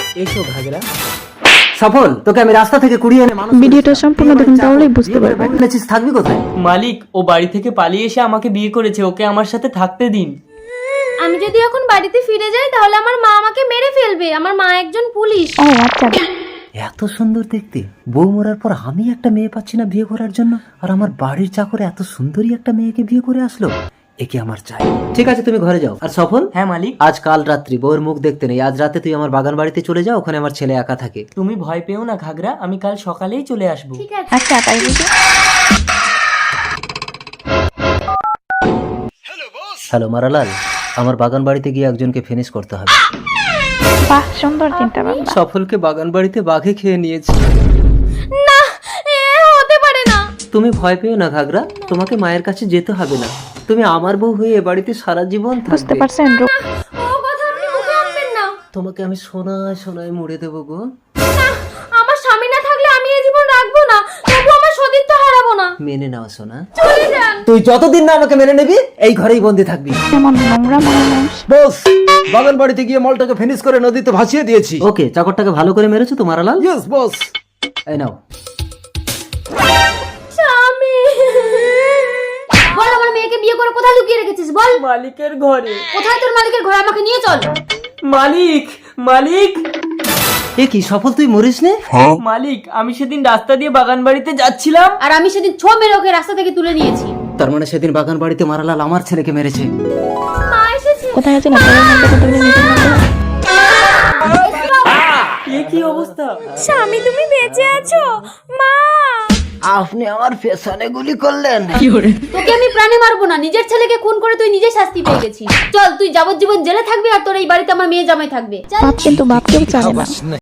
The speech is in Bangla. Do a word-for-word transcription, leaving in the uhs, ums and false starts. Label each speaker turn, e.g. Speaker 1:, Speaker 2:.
Speaker 1: এসো ঘাগরা। সফল, তোকে আমি রাস্তা থেকে কুড়িয়ে এনে মানুষ
Speaker 2: ভিডিওটা সম্পূর্ণ দেখুন তাহলেই বুঝতে পারবেন।
Speaker 1: বলেছিস থাকবি কোথায়?
Speaker 3: মালিক, ও বাড়ি থেকে পালিয়ে এসে আমাকে বিয়ে করেছে, ওকে আমার সাথে থাকতে দিন।
Speaker 4: আমি যদি এখন বাড়িতে ফিরে যাই তাহলে আমার মা আমাকে মেরে ফেলবে, আমার মা একজন পুলিশ।
Speaker 2: ও আচ্ছা,
Speaker 1: এত সুন্দর দেখতে বউ মরার পর আমি একটা মেয়ে পাচ্ছি না বিয়ে করার জন্য, আর আমার বাড়ির চাকরে এত সুন্দরী একটা মেয়েকে বিয়ে করে আসলো, একে আমার চাই। ঠিক আছে, তুমি ঘরে যাও। আর সফল,
Speaker 3: হ্যাঁ মালিক।
Speaker 1: আজ কাল রাত্রি বউয়ের মুখ দেখতে নেই, আজ রাতে তুই আমার বাগান বাড়িতে চলে যাও, ওখানে আমার ছেলে একা থাকে।
Speaker 3: তুমি ভয় পেও না ঘাগরা, আমি কাল সকালেই চলে আসবো।
Speaker 4: ঠিক আছে।
Speaker 2: আচ্ছা তাই বুঝি।
Speaker 1: হ্যালো মারালাল, আমার বাগান বাড়িতে গিয়ে একজনকে ফিনিশ করতে হবে।
Speaker 2: বাহ, সুন্দর চিন্তা ভাবনা।
Speaker 1: সফলকে বাগান বাড়িতে বাঘে খেয়ে নিয়েছে।
Speaker 4: না, এ হতে পারে না।
Speaker 1: তুমি ভয় পেও না ঘাগরা, তোমাকে মায়ের কাছে যেতে হবে না, তুমি আমার বউ হয়ে এ বাড়িতে সারা জীবন
Speaker 2: বুঝতে
Speaker 1: থাকবে।
Speaker 2: পারছেন? রূপ
Speaker 4: ও কথা আপনি মুখে আনবেন না।
Speaker 1: তোমাকে আমি সোনায় সোনায় মুড়ে দেবো গো।
Speaker 4: না, আমার স্বামী না থাকলে আমি এই জীবন রাখবো না, তবু আমার সতীত্ব হারাবো না।
Speaker 1: মেনে নাও সোনা।
Speaker 4: চলে যান।
Speaker 1: তুই যতদিন না আমাকে মেনে নিবি এই ঘরেই বন্দি থাকবি।
Speaker 2: কেমন নোংরা মানুষ।
Speaker 5: বস, বাগান বাড়িতে গিয়ে মলটাকে ফিনিশ করে নদীতে ভাসিয়ে দিয়েছি।
Speaker 1: ওকে, চাকরটাকে ভালো করে মেরেছো তো মারালাল?
Speaker 5: Yes boss.
Speaker 1: এই নাও।
Speaker 4: স্বামী, বল আমার মেয়েকে বিয়ে করে কোথায় লুকিয়ে রেখেছিস বল।
Speaker 3: মালিকের ঘরে।
Speaker 4: কোথায় তোর মালিকের ঘরে, আমাকে নিয়ে চল।
Speaker 3: মালিক, মালিক,
Speaker 1: এ কি সফল, তুই মরিস নে?
Speaker 3: মালিক, আমি সেদিন রাস্তা দিয়ে বাগান বাড়িতে যাচ্ছিলাম।
Speaker 4: আর আমি সেদিন ছো মেরে ওকে রাস্তা থেকে তুলে নিয়েছি।
Speaker 1: তার মানে সেদিন বাগান বাড়িতে মারালাল আমার ছেলেকে মেরেছে।
Speaker 4: মা এসেছে।
Speaker 2: কোথায় আছেন আপনাদের মধ্যে কতগুলো নিজের মধ্যে?
Speaker 3: এ কি অবস্থা?
Speaker 4: স্বামী তুমি বেঁচে আছো? মা,
Speaker 1: আপনি আমার পেছনে গুলি করলেন।
Speaker 4: তোকে আমি প্রাণে মারবো না, নিজের ছেলেকে খুন করে তুই নিজে শাস্তি পেয়ে গেছিস। চল, তুই যাবজ্জীবন জেলে থাকবি আর তোর এই বাড়িতে আমার মেয়ে জামাই থাকবে। চল।
Speaker 2: বাপ কিন্তু বাপকেও চায় না।